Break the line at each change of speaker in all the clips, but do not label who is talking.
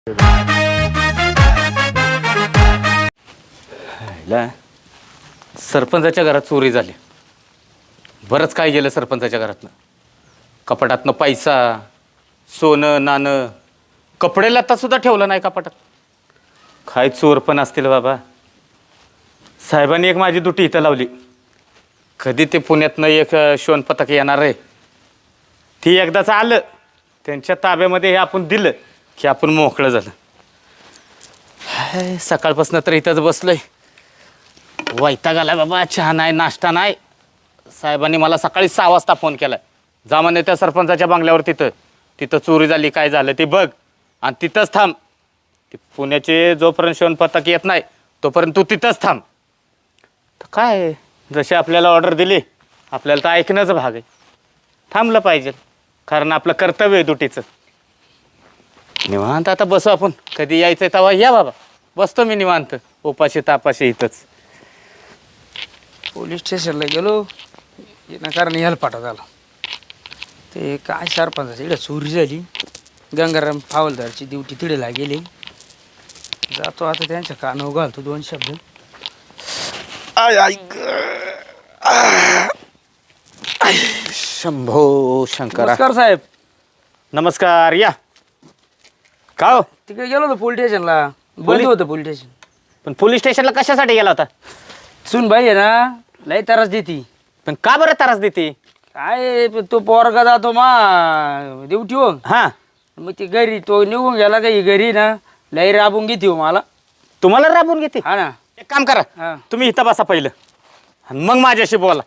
सरपंचाच्या घरात चोरी झाली. बरंच काय गेलं सरपंचाच्या घरातनं. कपाटातनं पैसा, सोनं नाणं, कपडे लत्ता सुद्धा ठेवलं नाही कपाटात. काय चोर पण असतील बाबा. साहेबांनी एक माझी दुटी इथं लावली. कधी ते पुण्यातनं एक शोन पथक येणार आहे. ती एकदाच आलं त्यांच्या ताब्यामध्ये हे आपण दिलं की आपण मोकळं झालं. सकाळपासून तर इथंच बसलोय. वैताग आलाय बाबा. चहा नाही, नाश्ता नाही. साहेबांनी मला सकाळी 6 वाजता फोन केलाय. जा म्हणे त्या सरपंचाच्या बंगल्यावर तिथं चोरी झाली, काय झालं ते बघ आणि तिथंच थांब. ते पुण्याचे जोपर्यंत शोन पथक येत नाही तोपर्यंत तू तिथंच थांब. तर काय जशी आपल्याला ऑर्डर दिली आपल्याला तर ऐकणंच भाग आहे. थांबलं पाहिजे कारण आपलं कर्तव्य आहे ड्युटीचं. निवांत आता बसू आपण. कधी यायचं तेव्हा या बाबा. बसतो मी निवांत उपाशी तापाशी इथंच.
पोलीस स्टेशनला गेलो कारण ह्याला पाठवा झाला. ते काय सरपंचाची इकडे चोरी झाली. गंगाराम फावलदारची ड्युटी तिडेला गेली. जातो आता त्यांच्या कानावर घालतो 2 शब्द.
शंभो शंकर.
नमस्कार साहेब.
नमस्कार. या. का हो?
तिकडे गेलो होतो पोलीस स्टेशनला. बंद होतं पोलीस स्टेशन.
पण पोलीस स्टेशनला कशासाठी गेला होता?
सुनबाई आहे ना लई त्रास देती.
पण का बरं त्रास देते?
काय तो पोरगा जातो मा ड्युटी हो.
हां.
मग ती घरी तो निघून गेला काही घरी ना लई राबून घेते हो मला.
तुम्हाला राबून घेते?
हा ना.
एक काम करा.
हा.
तुम्ही इथं बसा पहिलं आणि मग माझ्याशी बोला.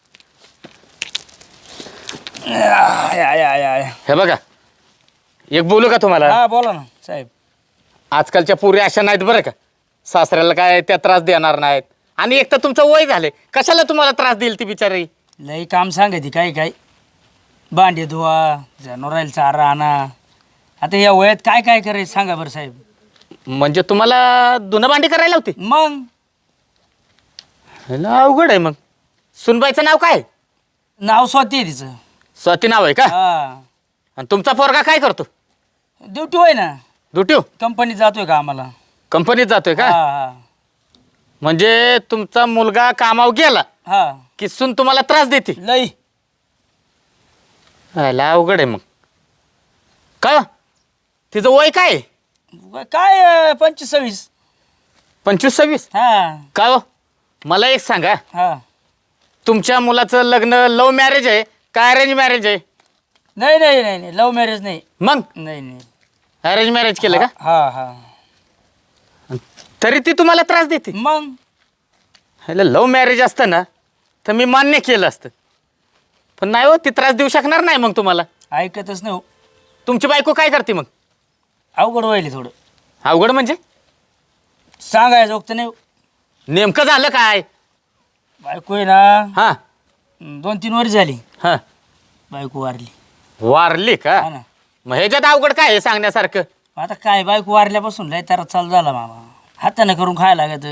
हे बघा एक बोलू का तुम्हाला?
हा बोला ना साहेब.
आजकालच्या पुरी अशा नाहीत बरं का. सासऱ्याला काय त्या त्रास देणार नाहीत. आणि एक तर तुमचं वय झालंय. कशाला तुम्हाला त्रास देईल ती बिचारी?
लई काम सांगायची काय काय. भांडे धुवा, जनावराला चारा आणा. आता या वयात काय काय करायचं सांगा बरं साहेब.
म्हणजे तुम्हाला धुणं भांडी करायला होती?
मग
अवघड आहे. मग सुनबाईचं नाव काय?
नाव स्वाती आहे तिचं.
स्वाती नाव आहे का?
हा.
आणि तुमचा पोरगा काय करतो?
ड्युटी होय ना.
ड्युटी?
कंपनीत जातोय का आम्हाला.
कंपनीत जातोय का?
हा
म्हणजे तुमचा मुलगा कामावर गेला
हा.
की सून तुम्हाला त्रास देते?
लई
अवघड आहे. मग का तिचं वय काय?
काय 25-26.
25-26?
हा
का हो? मला एक सांगा.
हा.
तुमच्या मुलाचं लग्न लव्ह मॅरेज आहे का अरेंज मॅरेज आहे?
नाही नाही नाही नाही लव्ह मॅरेज नाही.
मग
नाही नाही
अरेंज मॅरेज केलं का?
हा हा.
तरी ती तुम्हाला त्रास देते?
मग
लव्ह मॅरेज असतं ना तर मी मान्य केलं असतं. पण नाही हो, ती त्रास देऊ शकणार नाही मग तुम्हाला.
ऐकतच नाही हो.
तुमची बायको काय करते मग?
अवघड व्हायले थोडं.
अवघड म्हणजे?
सांगायचं वक्त नाही हो.
नेमकं झालं काय?
बायको आहे ना
हां
2-3 वर्ष झाली.
हां.
बायको वारली.
वारली का?
हा ना.
मग ह्याच्यात अवघड काय आहे सांगण्यासारखं?
आता काय बायको वारल्यापासून लय तारा चालू झाला मामा. हाताने करून खायला लागत.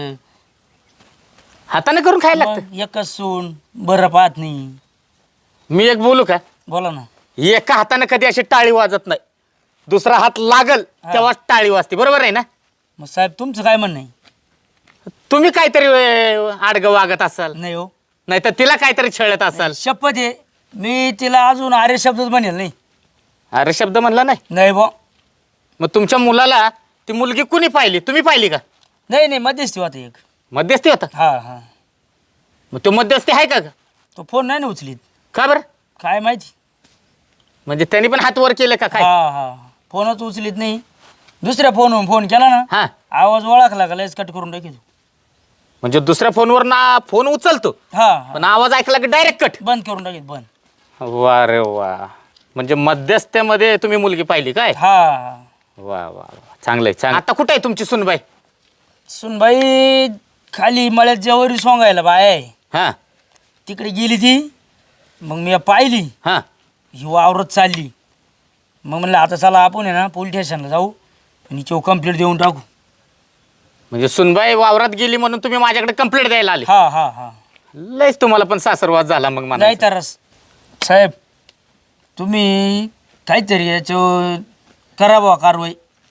हाताने करून खायला लागतं?
मग एकच सून बरं पाहत नाही.
मी एक बोलू का?
बोला ना.
एका हाताने कधी अशी टाळी वाजत नाही. दुसरा हात लागल तेव्हा टाळी वाजते. बरोबर आहे ना?
मग साहेब तुमचं काय म्हणणं आहे?
तुम्ही काहीतरी आडगं वागत असाल.
नाही हो.
नाही तर तिला काहीतरी छळत असाल.
शपथ आहे मी तिला अजून आर्य शब्दच म्हणेल नाही.
अरे शब्द म्हणला नाही?
नाही बो.
मग तुमच्या मुलाला ती मुलगी कुणी पाहिली? तुम्ही पाहिली का?
नाही नाही मध्यस्थी होता एक.
मध्यस्थी होता?
हा हा.
मग तो मध्यस्थी आहे का?
तो फोन नाही ना उचलीत.
का बरं?
काय माहिती.
म्हणजे त्यांनी पण हात वर केले का काय?
हा हा. फोनच उचलीत नाही. दुसऱ्या फोनवरून फोन केला ना
हा.
आवाज ओळखला का लयच कट करून टाकी.
म्हणजे दुसऱ्या फोनवर ना फोन उचलतो
हा
पण आवाज ऐकला की डायरेक्ट कट.
बंद करून टाकीत. बंद.
वा रे वा. म्हणजे मध्यस्थ्यामध्ये तुम्ही मुलगी पाहिली काय?
हा.
वा वा वा. चांगलंय चांगलं. आता कुठे आहे तुमची सुनबाई?
सुनबाई खाली मळ्यात जेवरी सोंगायला बाय
हा
तिकडे गेली ती. मग मी पाहिली
हा.
ही वावरत चालली. मग म्हणलं आता चला आपण आहे ना पोलीस स्टेशनला जाऊ आणि चो कंप्लेंट देऊन टाकू.
म्हणजे सुनबाई वावरात गेली म्हणून तुम्ही माझ्याकडे कंप्लेंट द्यायला आले?
हा हा हा.
लयच तुम्हाला पण सासरवाद झाला मग मला.
नाही तरच साहेब तुम्ही काहीतरी याच्यावर करा बुवा कारवाई.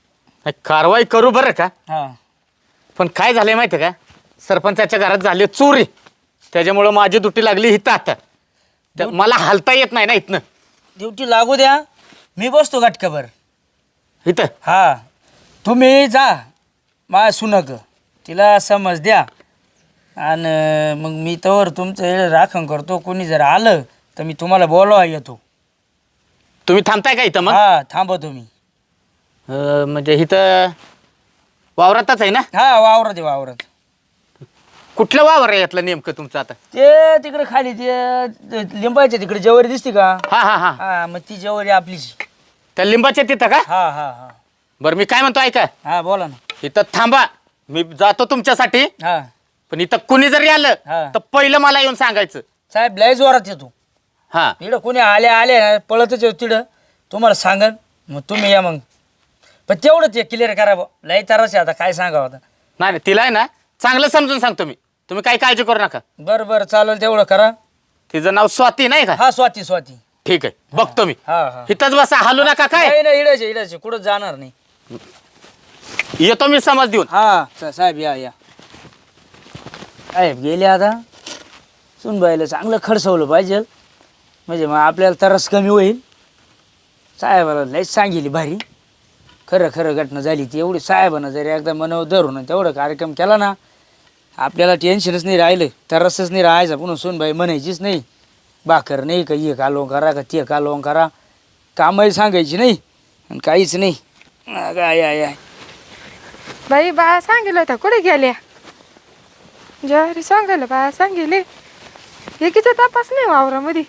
कारवाई करू बरं का,
हा
पण काय झालंय माहिती आहे का, सरपंचाच्या घरात झाली चोरी, त्याच्यामुळं माझी दुटी लागली इथं आता. मला हालता येत नाही ना इथनं.
ड्युटी लागू द्या, मी बसतो गाठकाभर
इथं.
हा. तुम्ही जा मा सुनक, तिला समज द्या, आणि मग मी तवर तुमचं राखण करतो. कोणी जर आलं तर मी तुम्हाला बोलवा येतो.
तुम्ही थांबताय का इथं मग?
हा थांबतो मी.
म्हणजे इथं वावरातच आहे ना?
हा वावरात आहे, वावरात.
कुठलं वावर आहे यातलं नेमकं तुमचं आता?
ते तिकडे खाली ते लिंबाच्या तिकडे जवारी दिसते का?
हा हा हा.
हा मग ती जवारी आपलीच.
त्या लिंबाच्या तिथं का?
हा हा हा.
बरं मी काय म्हणतो ऐका,
हा बोला ना.
इथं थांबा, मी जातो तुमच्यासाठी.
हा
पण इथं कुणी जरी आलं
हा.
तर पहिलं मला येऊन सांगायचं.
साहेब लय जोरात येतो.
हा.
इकडं कोणी आले पळतच येतो तिकडं, तुम्हाला सांगन मग तुम्ही या. मग पण तेवढंच आहे, क्लिअर करा बा. लय तरच आहे आता, काय सांगावं आता.
नाही नाही, तिला आहे ना चांगलं समजून सांगतो मी, तुम्ही काही काळजी करू नका.
बरं बरं चालेल, तेवढं करा.
तिचं नाव स्वाती नाही का?
हा स्वाती स्वाती.
ठीक आहे, बघतो मी.
हा हा.
इथंच बसा, हलू नका काय.
नाही नाही, इडच इडच कुठं जाणार नाही.
येतो मी समज देऊन.
हा साहेब या या. साहेब गेले आता. सुनबाईला चांगलं खडसवलं पाहिजे, म्हणजे मग आपल्याला तरस कमी होईल. साहेबाला लयच सांगितली भारी, खरं खरं घटना झाली ती. एवढी साहेबानं जरी एकदा मनावर धरून तेवढा कार्यक्रम केला ना, आपल्याला टेन्शनच नाही राहिलं, तरसच नाही राहायचं. पुन्हा सुनबाई म्हणायचीच नाही भाकर नाही का, ये कालवण करा का ते कालवण करा, कामही सांगायची नाही आणि काहीच नाही. काय आय
बाई बाया सांगितलं होतं, कुठे गेल्या? ज्वारी सांगायला बाया सांगितले, एकीचा तपास नाही वावरामध्ये.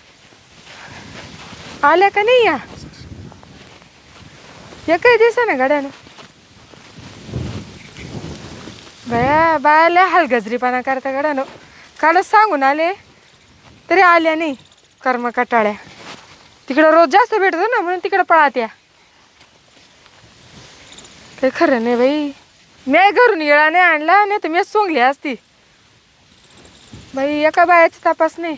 आल्या का नाही या? एकही दिसा ना गड्यानं. बाया बायाला हलगजरीपणा करता गड्यानं. कालच सांगून आले तरी आल्या नाही. कर्म कटाळ्या. तिकडं रोज जास्त भेटतो ना, म्हणून तिकडं पळात्या. काही खरं नाही बाई. मी घरून येळा नाही आणला, नाही तर मी सोंगली असती. बाई एका बायाचा तपास नाही.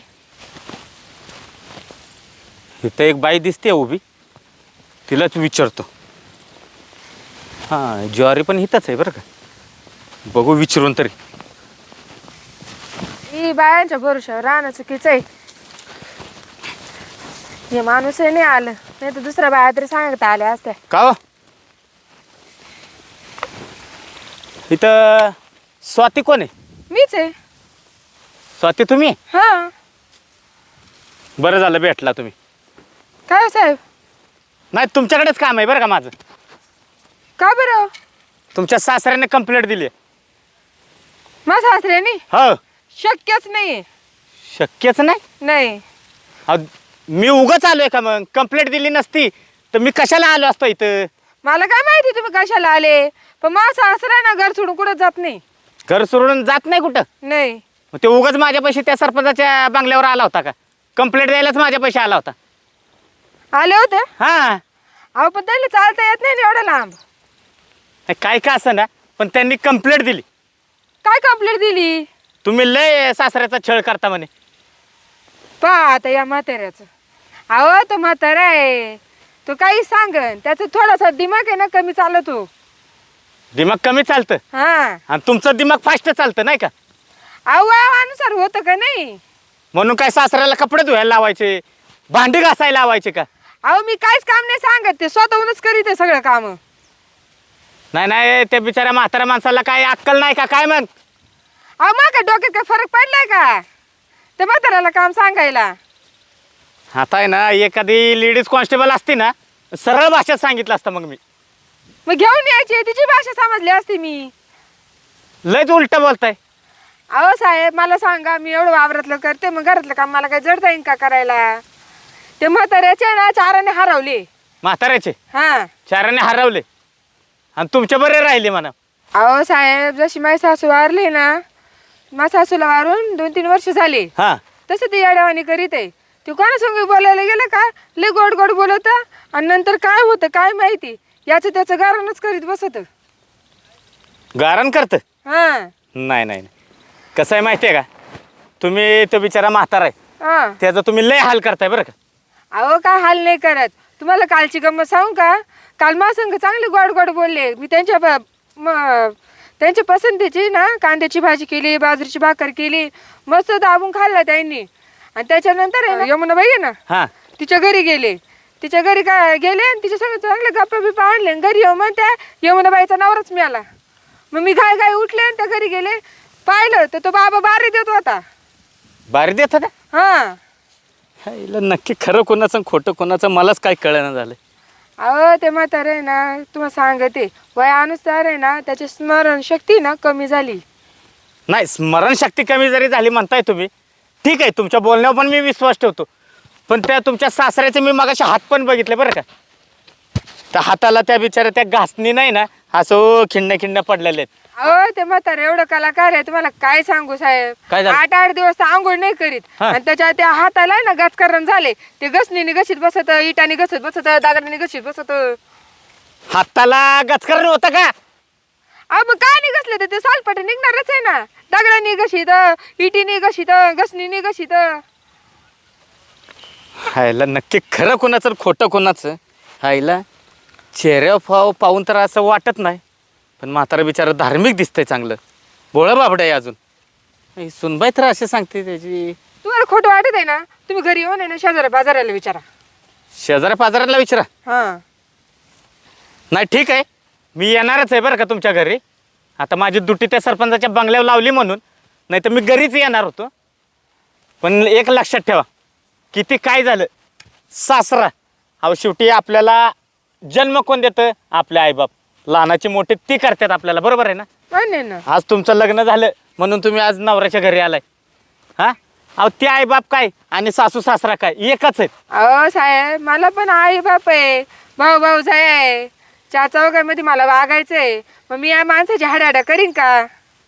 इथं एक बाई दिसते उभी, तिलाच विचारतो. हां, ज्वारी पण इथंच आहे बरं का, बघू विचारून तरी.
ही बायांच्या भरोशावर राहणं चुकीचं आहे. हे माणूसही नाही आलं, नाही तर दुसऱ्या बाया तरी सांगता आल्या असत्या.
का हो? इथं स्वाती कोण आहे?
मीच आहे.
स्वाती तुम्ही?
हा.
बरं झालं भेटला तुम्ही.
काय हो साहेब?
नाही, तुमच्याकडेच काम आहे बरं का माझं.
का बरं?
तुमच्या सासऱ्याने कंप्लेंट दिली आहे.
माझ्या सासऱ्याने?
हो.
शक्यच नाही.
शक्यच नाही.
नाही.
अहो, मी उगाच आलोय का? मग कंप्लेंट दिली नसती तर मी कशाला आलो असतो इथं?
मला काय माहिती तुम्ही कशाला आले, पण माझा सासरा ना घर सोडून कुठं जात नाही.
घर सोडून जात नाही कुठं?
नाही.
मग ते उगाच माझ्या पैसे त्या सरपंचाच्या बंगल्यावर आला होता का? कंप्लेंट द्यायलाच माझ्या पैसे आला होता.
आले होते?
हां.
अहो पण त्याला चालता येत नाही ना एवढं लांब.
काय का असं ना, पण त्यांनी कंप्लेंट दिली.
काय कंप्लेंट दिली?
तुम्ही लय सासऱ्याचा छळ करता म्हणे.
पहा आता या म्हाताऱ्याचं. अहो तो म्हातारा आहे, तो काही सांगन, त्याचा थोडासा दिमाग आहे ना कमी चालतो.
दिमाग कमी चालतं
हा.
आणि तुमचं दिमाग फास्ट चालतं नाही का?
अहो वयानुसार होतं का नाही?
म्हणून काय सासऱ्याला कपडे धुवायला लावायचे, भांडी घासायला लावायचे का?
अहो मी काहीच काम नाही सांगत, ते स्वतःहूनच करीत आहे सगळं काम.
नाही नाही, त्या बिचाऱ्या म्हाताऱ्या माणसाला काय अक्कल नाही का काय? मग
अहो मग काय डोक्यात काय फरक पडलाय का त्या म्हाताऱ्याला काम सांगायला?
आता आहे ना, एखादी लेडीज कॉन्स्टेबल असती ना, सरळ भाषेत सांगितलं असतं मग मी.
मग घेऊन यायची, तिची भाषा समजली असती मी.
लयच उलट बोलताय.
अहो साहेब मला सांगा, मी एवढं वावरातलं करते, मग घरातलं काम मला काय जड जाईन का करायला? ते म्हाताऱ्याचे ना चाराने हरवले.
म्हाताऱ्याचे
हा.
चाराने हरवले आणि तुमच्या बरे राहिले म्हणा.
अहो साहेब जशी माझी सासू वारली ना, माझ्या सासूला वारून 2-3 वर्ष झाले.
हा.
तसं ते येड्यावानी करीत आहे. ते कोणासंग बोलायला गेलं का लय गोड गोड बोलत, आणि नंतर काय होतं काय माहिती, याचं त्याचं गारणच करीत बसत.
गारण करत?
हा.
नाही नाही, कसं आहे माहिती आहे का, तुम्ही तो बिचारा म्हातारा आहे,
हा.
त्याचा तुम्ही लय हाल करताय बरं का.
अहो काय हाल नाही करत. तुम्हाला कालची गंमत सांगू का? काल मा संग चांगले गोड गोड बोलले. मी त्यांच्या पसंतीची ना कांद्याची भाजी केली, बाजरीची भाकर केली, मस्त दाबून खाल्ला त्यांनी. आणि त्याच्यानंतर आहे ना यमुनाबाई आहे ना
हा
तिच्या घरी गेले. तिच्या घरी काय गेले आणि तिच्या संग चांगले गप्पा बिप्पा आणले आणि घरी येऊ म्हणत्या यमुनाबाईचा नवराच मिळाला. मग मी घाय घाय उठले आणि त्या घरी गेले. पाहिलं तर तो बाबा बारी देत होता.
बारी देत होता?
हा
हिला नक्की खरं कोणाचं आणि खोटं कोणाचं मलाच काय कळलं झालं.
अहो ते म्हातारे आहे ना तुम्हाला सांगते वयानुसार आहे ना त्याची स्मरणशक्ती ना कमी झाली.
नाही, स्मरणशक्ती कमी जरी झाली म्हणताय तुम्ही, ठीक आहे, तुमच्या बोलण्यावर पण मी विश्वास ठेवतो. पण त्या तुमच्या सासऱ्याचे मी मगाशी हात पण बघितले बरं का. त्या हाताला त्या बिचाऱ्या त्या घासणी नाही ना असं खिंड्या खिंड्या पडलेले आहेत.
अहो ते म्हातारे एवढं कलाकार आहे तुम्हाला काय सांगू साहेब.
काय झालं?
8-8 दिवस तर आंघोळ नाही करीत.
हा.
आणि त्याच्या त्या हाताला आहे ना गचकरण झाले. ते घसणीने घशीत बसत, इटाने घसत बसत, दागडाने घशीत बसत.
हाताला गचकरण होतं का?
अहो मग काय नाही घसले तर ते सालपाट निघणारच आहे ना. दगडाने घशीत, इटीने घशीत, घसणीने घशीत.
हायला नक्की खरं कोणाचं आणि खोटं कोणाचं. हायला चेहऱ्या पाहून तर असं वाटत नाही, पण म्हातारा बिचारा धार्मिक दिसतंय चांगलं. भोळं बाबड आहे अजून. सुनबाई तर असे सांगते त्याची.
तुम्हाला खोटं वाटत आहे ना तुम्ही घरी येऊन आहे ना शेजाऱ्या बाजाराला विचारा.
शेजाऱ्या पाजाराला विचारा.
हा
नाही ठीक आहे, मी येणारच आहे बरं का तुमच्या घरी. आता माझी दुटी त्या सरपंचाच्या बंगल्यावर लावली म्हणून, नाही तर मी घरीच येणार होतो. पण एक लक्षात ठेवा, किती काय झालं सासरा, अहो शेवटी आपल्याला जन्म कोण देतं? आपले आईबाप. लहानाची मोठी ती करतात आपल्याला, बरोबर आहे ना.
मान्य ना.
आज तुमचं लग्न झालं म्हणून तुम्ही आज नवऱ्याच्या घरी आलाय. हा अहो ते आईबाप काय आणि सासू सासरा काय एकच आहेत.
अहो साहेब मला पण आई बाप आहे, भाऊ भाऊ आहे, चौघांमध्ये मला वागायचंय. मग मी या माणसाची हाडाडा करीन का?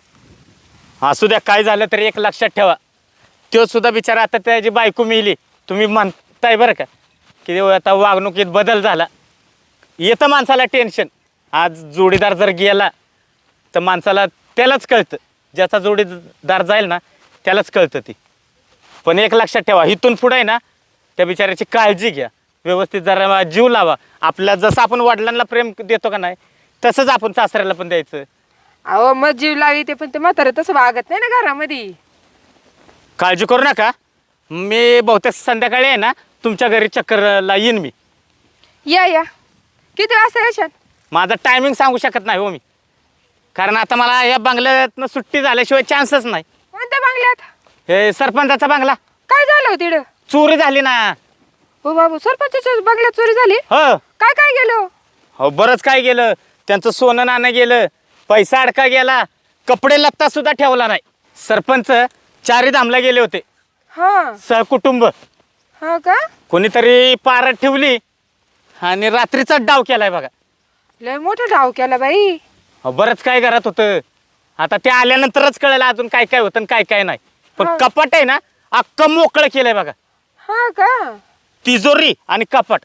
असू द्या, काय झालं तरी एक लक्षात ठेवा, तो सुद्धा बिचारा आता त्याची बायको मिली. तुम्ही म्हणताय बरं का की आता वागणुकीत बदल झाला. येतं माणसाला टेन्शन. आज जोडीदार जर गेला तर माणसाला त्यालाच कळतं, ज्याचा जोडीदार जाईल ना त्यालाच कळतं ती. पण एक लक्षात ठेवा, इथून पुढे आहे ना त्या बिचाऱ्याची काळजी घ्या, व्यवस्थित जरा जीव लावा. आपल्या जसं आपण वडिलांना प्रेम देतो का नाही तसंच आपण सासऱ्याला पण द्यायचं.
अहो मग जीव लागते पण ते म्हातारं तसं वागत नाही ना घरामध्ये.
काळजी करू नका, मी बहुतेक संध्याकाळी आहे ना तुमच्या घरी चक्करला येईन मी.
या या किती वाजता येशाल?
माझा टायमिंग सांगू शकत नाही हो मी, कारण आता मला या बंगल्यातनं सुट्टी झाल्याशिवाय चान्सच नाही.
कोणत्या बंगल्यात?
हे सरपंचाचा बंगला
काय झालं हो तिकडं?
चोरी झाली ना.
हो बाबू सरपंचाच्या बंगल्यात चोरी झाली?
हो
काय काय गेलो?
हो बरंच काय गेलं. त्यांचं सोनं नाणं गेलं, पैसा अडका गेला, कपडे लत्ता सुद्धा ठेवला नाही. सरपंच 4 धामला गेले होते
हा
सहकुटुंब.
हा का?
कोणीतरी पारत ठेवली आणि रात्रीचा डाव केलाय बघा.
लय मोठा डाव केला बाई.
हो बरंच काय घरात होतं. आता ते आल्यानंतरच कळलं अजून काय काय होतं आणि काय काय नाही. पण
हा.
कपाट आहे ना अख्खं मोकळं केलंय बघा.
हा का?
तिजोरी आणि कपाट.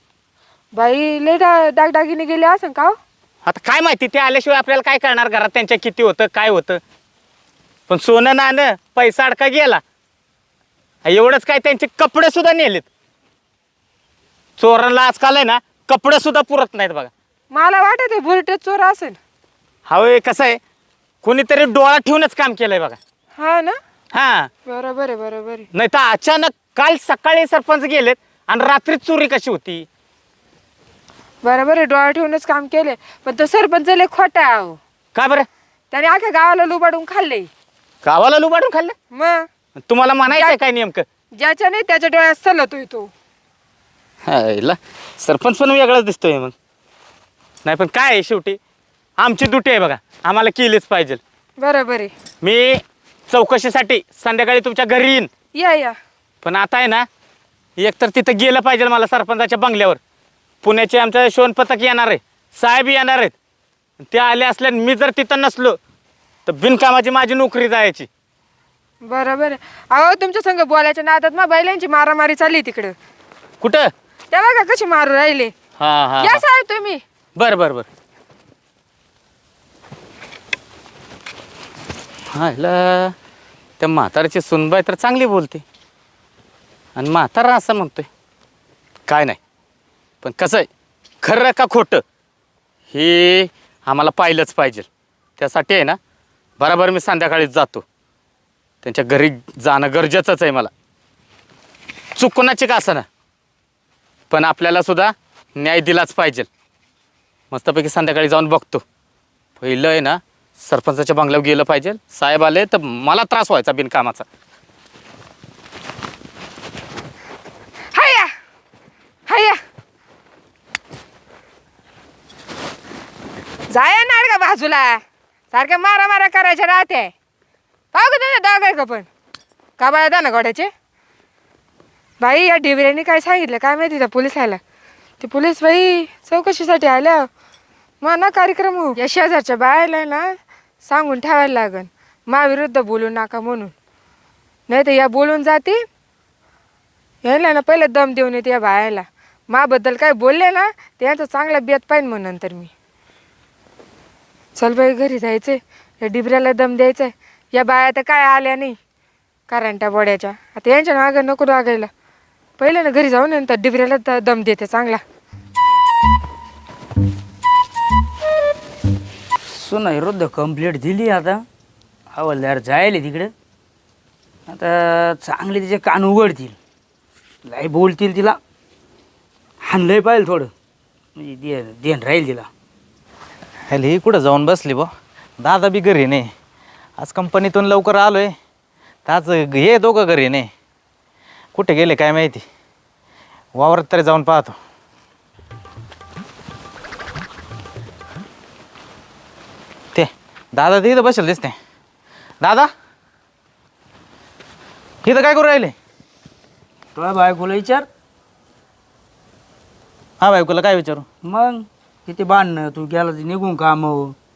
बाई लय दागदागिने गेले असं का हो?
आता काय माहिती, ते आल्याशिवाय आपल्याला काय करणार घरात त्यांच्या किती होतं काय होतं. पण सोनं नाणं पैसा अडका गेला. एवढंच काय, त्यांचे कपडे सुद्धा नेलेत. चोरांना आजकाल आहे ना कपडे सुद्धा पुरत नाहीत बघा.
मला वाटत आहे बुरटे चोर असेल.
हवं कसं आहे, कोणीतरी डोळा ठेवूनच काम केलंय बघा.
हा ना.
हा
बरोबर आहे बरोबर आहे.
नाही तर अचानक काल सकाळी सरपंच गेलेत आणि रात्री चोरी कशी होती.
बरोबर आहे डोळा ठेवूनच काम केले. पण तो सरपंच लय खोटा आहे अहो.
का बरं?
त्याने अख्ख्या गावाला लुबाडून खाल्ले.
गावाला लुबाडून खाल्लं?
मग
तुम्हाला म्हणायचंय काय नेमकं?
ज्याच्या नाही त्याच्या डोळ्यात सलतोय तो.
हायला सरपंच पण वेगळाच दिसतोय मग. नाही पण काय आहे, शेवटी आमची ड्युटी आहे बघा, आम्हाला केलीच पाहिजे.
बरोबर आहे.
मी चौकशीसाठी संध्याकाळी तुमच्या घरी येईन.
या या.
पण आता आहे ना एकतर तिथं गेलं पाहिजे मला सरपंचाच्या बंगल्यावर. पुण्याचे आमचं शोनपथक येणार आहे, साहेब येणार आहेत. ते आले असल्याने मी जर तिथं नसलो तर बिनकामाची माझी नोकरी जायची.
बरोबर आहे. अहो तुमच्या संग बोलायच्या नादात मग बैलांची मारामारी चालली तिकडं.
कुठं?
त्या बघा कशी मारू राहिले.
हा हा
या साहेब तुम्ही.
बर बर बर. हा ह्याला त्या म्हाताऱ्याची सुनबाई तर चांगली बोलते आणि म्हातारा असं म्हणतोय. काय नाही, पण कसं आहे, खरं का खोटं हे आम्हाला पाहिलंच पाहिजे. त्यासाठी आहे ना बरोबर मी संध्याकाळीच जातो. त्यांच्या घरी जाणं गरजेचंच आहे मला, चुकूनाची का असं ना, पण आपल्याला सुद्धा न्याय दिलाच पाहिजे. मस्तपैकी संध्याकाळी जाऊन बघतो. पहिलं आहे ना सरपंचाच्या बंगल्यावर गेलं पाहिजे. साहेब आले तर मला त्रास व्हायचा बिनकामाचा.
हाया हाया जाया नाड का बाजूला, सारख्या मारा मारा करायच्या राहते. पाहू का तुझ्या डाग आहे का पण का बाळा दाना गोड्याचे. बाई या डिबऱ्यांनी काय सांगितलं काय माहिती त्या पोलिसाला. ते पोलीस बाई चौकशीसाठी आल्या. मग ना कार्यक्रम हो या शेजारच्या बायाला ना सांगून ठेवायला लागन महाविरुद्ध बोलू नका म्हणून. नाही तर या बोलून जाते यायला ना पहिलं दम देऊन येते या बायाला. माबद्दल काय बोलले ना त्यांचा चांगला बेत पाहिजे म्हणून नंतर मी. चल बाई घरी जायचंय, या डिबऱ्याला दम द्यायचंय. या बाया तर काय आल्या नाही करंट्या बोड्याच्या. आता यांच्या मागं नको लागायला. पहिलं ना घरी जाऊन नंतर डिबऱ्याला दम देते चांगला.
सुना विरुद्ध कंप्लेंट दिली. आता हवालदार जायले तिकडे. आता चांगले तिचे कान उघडतील, लय बोलतील तिला. हाणलंय पाहिजे थोडं म्हणजे देण राहील तिला.
हॅलो ही कुठं जाऊन बसली बा. दादा बी घरी नाही. आज कंपनीतून लवकर आलो आहे तर आज हे दोघं घरी नाही. कुठे गेले काय माहिती. वावरात तरी जाऊन पाहतो. ते दादा ते इथं बसेल दिसते. दादा इथं काय करू राहिले.
तुला बायकोला विचार.
हा बायकोला काय विचारू.
मग किती बांधणं तू गेला ते निघून काम.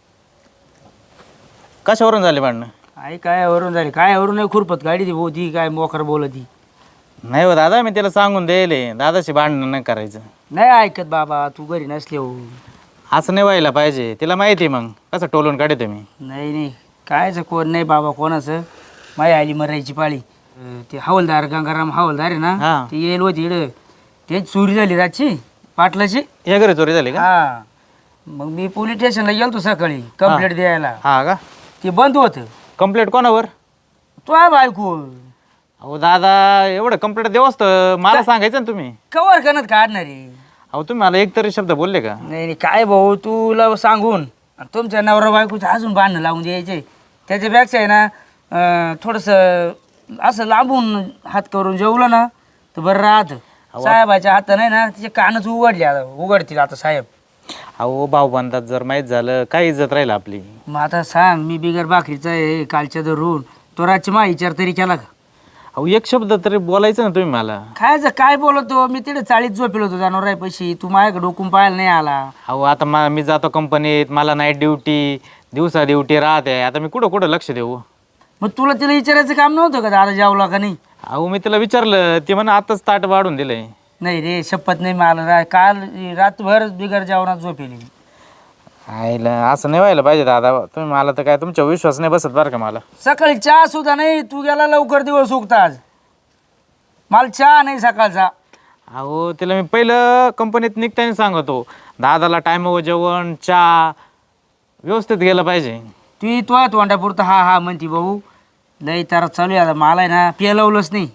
कशावरून झाले भांडणं.
आई काय वरून झाली काय वरून नाही खुरपत गाडी ती भाऊ ती काय मोकर बोलत ती.
नाही हो दादा मी त्याला सांगून द्यायले दादाशी भांडणं नाही करायचं.
नाही ऐकत बाबा तू घरी नसले हो.
असं नाही व्हायला पाहिजे. तिला माहिती आहे मग कसं टोलून काढतो मी.
नाही नाही कायचं कोण नाही बाबा कोणाचं. माई आली मरायची पाळी. ते हवालदार गंगाराम हवालदार आहे ना
हा.
ते येईल होती इकडं. ते चोरी झाली रातची पाटलाची.
या घरी चोरी झाली का.
हा मग मी पोलीस स्टेशनला गेलतो सकाळी कंप्लेंट द्यायला.
हा का.
ते बंद होतं.
कंप्लेंट कोणावर.
तो आहे बायको.
अहो दादा एवढं कंप्लेंट देऊ असतं मला सांगायचं ना तुम्ही.
कवर करत काढणारी.
अहो तुम्ही मला एक तरी शब्द बोलले का.
नाही नाही काय भाऊ तुला सांगून आणि तुमच्या नवरा बायकोचं अजून बांधणं लावून द्यायचे. त्याच्यापेक्षा आहे ना थोडंसं असं लांबून हात करून जेवलं ना तर बरं राहतं. साहेबाच्या हाताने नाही ना तिचे कानच उघडले आता उघडतील आता साहेब.
अहो भाऊबंदात जर माहीत झालं काय इज्जत राहील आपली.
मग आता सांग मी बिगर भाकरीचा आहे कालच्या धरून तो रातची मा विचार तरी केला का.
अहो एक शब्द तरी बोलायचं ना तुम्ही मला.
खायचं काय बोलतो मी तिथे चाळीत झोपेल होतो जनावर पैसे तू माझ्याकडे डोकून पाहायला नाही आला.
अहो आता मी जातो कंपनीत मला नाईट ड्युटी दिवसा ड्युटी राहते. आता मी कुठं कुठं लक्ष देऊ.
मग तुला तिला विचारायचं काम नव्हतं का दादा जेवला का नाही.
अहो मी तिला विचारलं ते म्हणा आताच ताट वाढून दिलंय.
नाही रे शपथ नाही मला काल रातभर बिगर जेवणात झोपेली.
आईला असं नाही व्हायला पाहिजे दादा. तुम्ही मला तर काय तुमचा विश्वास नाही बसत बरं का मला.
सकाळी चहा सुद्धा नाही तू गेला लवकर दिवस उगता आज. मला चहा नाही सकाळचा.
अहो तिला मी पहिलं कंपनीत निघताना सांगतो दादाला टायमावर जेवण चहा व्यवस्थित गेलं पाहिजे.
ती तो तोंडापुरतं हा हा म्हणती भाऊ लई तारा चालू आहे आता मला आहे ना पेलवलंच नाही.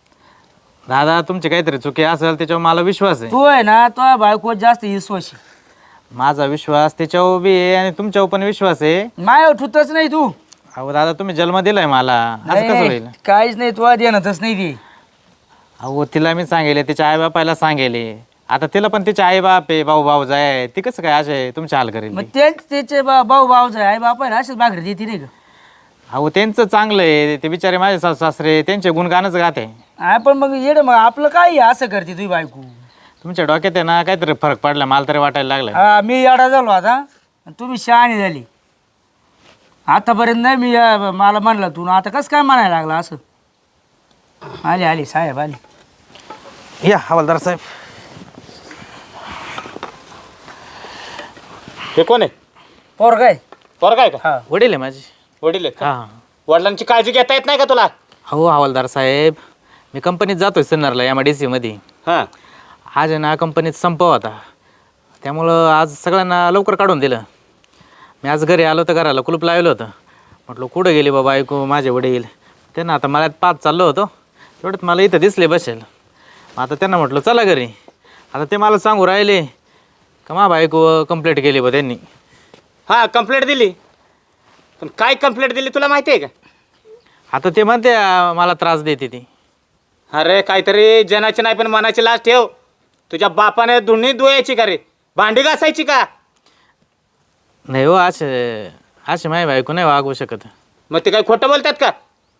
दादा तुमची काहीतरी चुकी असेल त्याच्यावर मला विश्वास आहे.
तू आहे ना तो बायको जास्त विश्वासी.
माझा विश्वास त्याच्यावर बी आहे आणि तुमच्यावर पण विश्वास आहे.
माय ठुतच नाही तू.
अहो दादा तुम्ही जन्म दिलाय मला असं कसं होईल.
काहीच नाही तू देणतच नाही ती.
अहो तिला मी सांगेले तिच्या आई बापाला सांगेले. आता तिला पण तिचे आई बाप आहे भाऊ भाऊ जाय ती कसं काय असे तुमच्या हाल करेल.
मग तेच त्याचे भाऊ भाऊच आहे आई बाप आहे ना असेच भाकरी देते नाही का.
अहो त्यांचं चांगलं आहे ते बिचारे माझे सासू सासरे त्यांचे गुणगानच गाते.
हा पण मग येड मग आपलं काय असं करते तुझी बायको.
तुमच्या डोक्यात आहे ना काहीतरी फरक पडला मला तरी वाटायला लागला.
हा मी येडा झालो आता तुम्ही शहाणी झाली. आतापर्यंत नाही मी मला म्हणलं तू आता कसं काय म्हणायला लागला असं. आली आली साहेब आली.
या हवालदार साहेब.
हे कोण आहे.
पोर काय
पोर काय का.
हा
वडील आहे माझी.
वडील आहेत का?
हा
वडिलांची काळजी घेता येत नाही का तुला.
हो हवालदार साहेब मी कंपनीत जातोय सिन्नरला MIDC मध्ये.
हां
आज आहे ना कंपनीत संप होता, त्यामुळं आज सगळ्यांना लवकर काढून दिलं. मी आज घरी आलो तर घराला कुलूप लावलं होतं. म्हटलं कुठं गेली बाबा ऐकू माझे वडील. त्यांना आता मला पाच चाललो होतो, तेवढ्यात मला इथं दिसले बसेल. आता त्यांना म्हटलं चला घरी. आता ते मला सांगू राहिले का मा बायको कंप्लेंट केली बा त्यांनी.
हां कंप्लेंट दिली, पण काय कंप्लेंट दिली तुला माहिती आहे का?
आता ते म्हणते मला त्रास देते ती.
अरे काहीतरी जनाची नाही पण मनाची लाज ठेव. तुझ्या बापाने दोन्ही धुवायची का रे, भांडी घासायची का?
नाही हो, असे माझी बायको नाही वागवू शकत.
मग ते काय खोटं बोलतात का?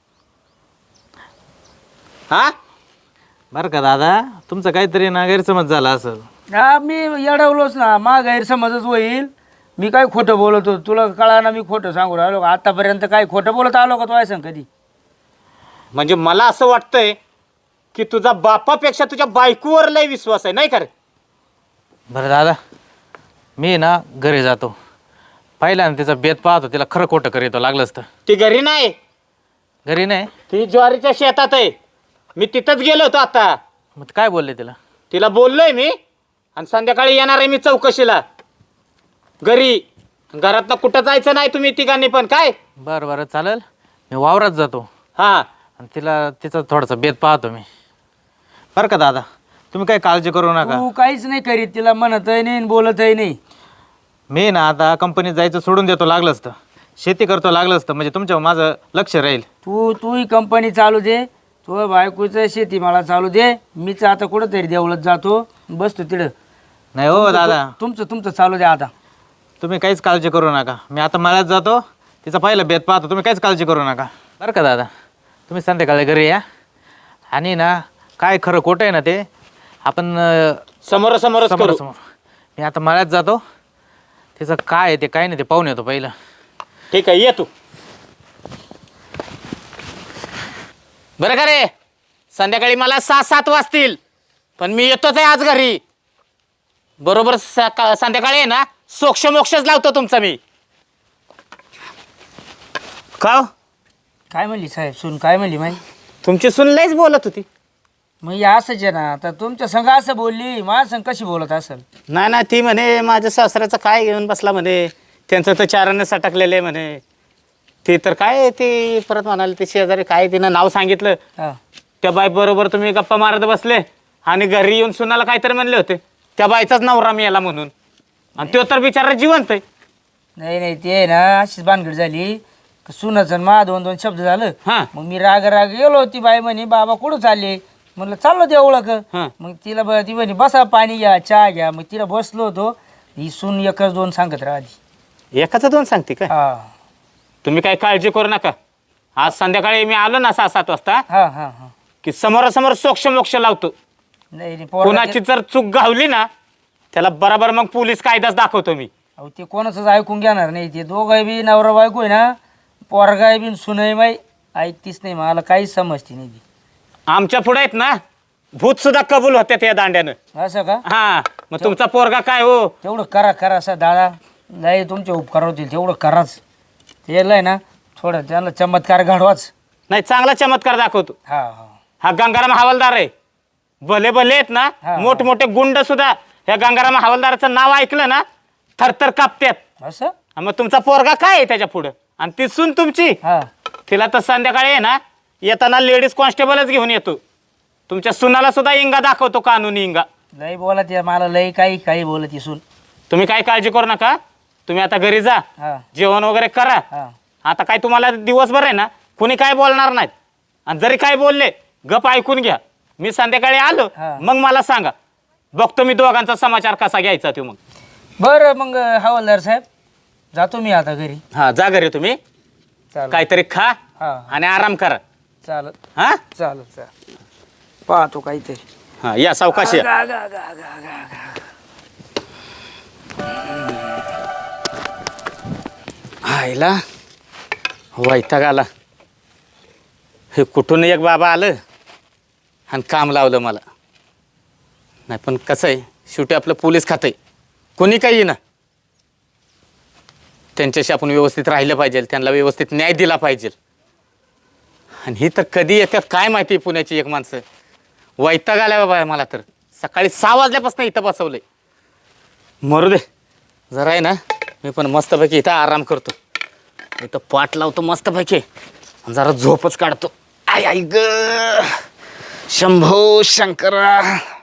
हा
बरं का दादा, तुमचं काहीतरी ना गैरसमज झाला असेल.
हा मी येडवलोच ना, मा गैरसमजच होईल. मी काय खोटं बोलतो तुला कळा ना, मी खोटं सांगू राहिलो का? आतापर्यंत काय खोटं बोलत आलो का तू सांग कधी?
म्हणजे मला असं वाटतंय की तुझा बापापेक्षा तुझ्या बायकोवर लय विश्वास आहे, नाही का रे?
बरं दादा, मी ना घरी जातो. पाहिला ना तिचा बेत पाहतो, तिला खरं खोटं करीतो लागलंच तर.
ती घरी नाही,
घरी नाही.
ती ज्वारीच्या शेतात आहे. मी तिथंच गेलो होतो आता.
मग काय बोलले तिला?
तिला बोललोय मी, आणि संध्याकाळी येणार आहे मी चौकशीला घरी. घरातनं कुठं जायचं नाही तुम्ही तिघांनी पण. काय
बरं बरं चालेल, मी वावरात जातो
हा.
आणि तिचा थोडासा बेत पाहतो मी. बरं का दादा, तुम्ही काही काळजी करू नका.
तू काहीच नाही करीत, तिला म्हणतही नाही बोलतही नाही.
मी ना आता कंपनीत जायचं सोडून देतो लागलंच तर. शेती करतो लागलंच तर, म्हणजे तुमच्यावर माझं लक्ष राहील.
तूही कंपनी चालू दे, तू बायकोचं शेती मला चालू दे. मीच आता कुठंतरी देवळत जातो, बसतो तिकडं.
नाही हो दादा,
तुमचं चालू द्या आता.
तुम्ही काहीच काळजी करू नका. मी आता मळ्यात जातो, तिचा पहिलं बेत पाहतो. तुम्ही काहीच काळजी करू नका बरं का दादा. तुम्ही संध्याकाळी घरी या, आणि ना काय खरं खोटं आहे ना ते आपण
समोरासमोरच करू.
समोरासमोर. मी आता मळ्यात जातो, तिचं काय आहे ते काय नाही ते पाहून येतो पहिलं.
ठीक आहे, ये तू. बरं का रे, संध्याकाळी मला 6-7 वाजतील, पण मी येतोच आहे आज घरी. बरोबर संध्याकाळी आहे ना सोक्ष मोक्षच लावतो तुमचा मी. का हो?
काय म्हणली साहेब सून? काय म्हणली माही?
तुमची सून लयच बोलत होती.
मग हे असंच आहे ना, आता तुमच्या संग असं बोलली, माझ्या संग कशी बोलत असेल?
नाही ती म्हणे माझ्या सासऱ्याचं काय घेऊन बसला म्हणे, त्यांचं तर चाराने सटकलेलं आहे म्हणे. ते तर काय ते परत म्हणाले ते शेजारी काय तिनं नाव सांगितलं.
हा.
त्या बाई बरोबर तुम्ही गप्पा मारत बसले, आणि घरी येऊन सुनाला काहीतरी म्हणले होते. त्या बाईचाच नवरा मी याला म्हणून, आणि तो तर बिचारा जिवंत आहे.
नाही ते आहे ना अशीच भानगड झाली. सुनाचं मा 2-2 शब्द झालं.
हा.
मग मी राग गेलो. ती बाई म्हणे बाबा कुठं चालले? म्हणलं चाललो ते ओळख.
हा.
मग तिला ती म्हणे बसा पाणी घ्या चहा घ्या. मग तिला बसलो होतो. ही सून 1-2 सांगत राहिली.
एकाचं 2 सांगते का?
हा
तुम्ही काही काळजी करू नका. आज संध्याकाळी मी आलो ना 6-7 वाजता
हा हा हा.
की समोरासमोर सोक्ष मोक्ष लावतो.
नाही
कोणाची जर चूक गावली ना त्याला बरोबर मग पोलीस कायदाच दाखवतो मी.
अहो ते कोणाचंच ऐकून घेणार नाही. ते दोघं बी नवरा बायको आहे ना, पोरगाय बी सुनय बाई ऐकतीच नाही. मला काहीच समजते नाही ती.
आमच्या पुढे आहेत ना भूत सुद्धा कबूल होते त्या दांड्यानं.
असं का?
हा, मग तुमचा पोरगा काय हो?
तेवढं करा असं दादा. नाही तुमचे उपकार होतील तेवढं कराच. त्याला आहे ना थोडं त्याला चमत्कार घडवाच.
नाही, चांगला चमत्कार दाखवतो.
हा हा.
हा गंगाराम हवालदार आहे. भले आहेत ना
हा.
मोठमोठे गुंड सुद्धा ह्या गंगाराम हवालदाराचं नाव ऐकलं ना थरथर कापतात.
असं?
मग तुमचा पोरगा काय आहे त्याच्या पुढं? आणि ती सून तुमची,
हा.
तिला तर संध्याकाळी आहे ना येताना लेडीज कॉन्स्टेबलच घेऊन येतो. तुमच्या सुनाला सुद्धा इंगा दाखवतो, कानूनी इंगा.
लई बोलत आहे मला, लई काही बोलत इसून.
तुम्ही काही काळजी करू नका. तुम्ही आता घरी जा,
हा
जेवण वगैरे करा.
हा.
आता काय तुम्हाला दिवसभर आहे ना कुणी काय बोलणार नाहीत, आणि जरी काय बोलले गप ऐकून घ्या. मी संध्याकाळी आलो
हा.
मग मला सांगा, बघतो मी दोघांचा समाचार कसा घ्यायचा तो. मग
बरं मग हवालदार साहेब जातो मी आता घरी.
हा, जा घरी तुम्ही.
चालेल.
काहीतरी खा
हा
आणि आराम करा.
चालत
हा
चालत पाहतो काहीतरी.
हा, या सावकाश या.
गा, गा, गा, गा, गा, गा.
आईला वैताग आला. हे कुठून एक बाबा आलं आणि काम लावलं मला. नाही पण कसं आहे, शेवटी आपलं पोलीस खातं आहे. कोणी काही येईना, त्यांच्याशी आपण व्यवस्थित राहिलं पाहिजे, त्यांना व्यवस्थित न्याय दिला पाहिजे. आणि ही तर कधी येतात काय माहिती, पुण्याची एक माणसं. वैताग आला बाबा मला तर. सकाळी 6 वाजल्यापासून इथं बसवलंय. मरू दे, जरा आहे ना मी पण मस्तपैकी इथं आराम करतो. इथं पाट लावतो मस्तपैकी आणि जरा झोपच काढतो. आय आय ग शंभो शंकरा.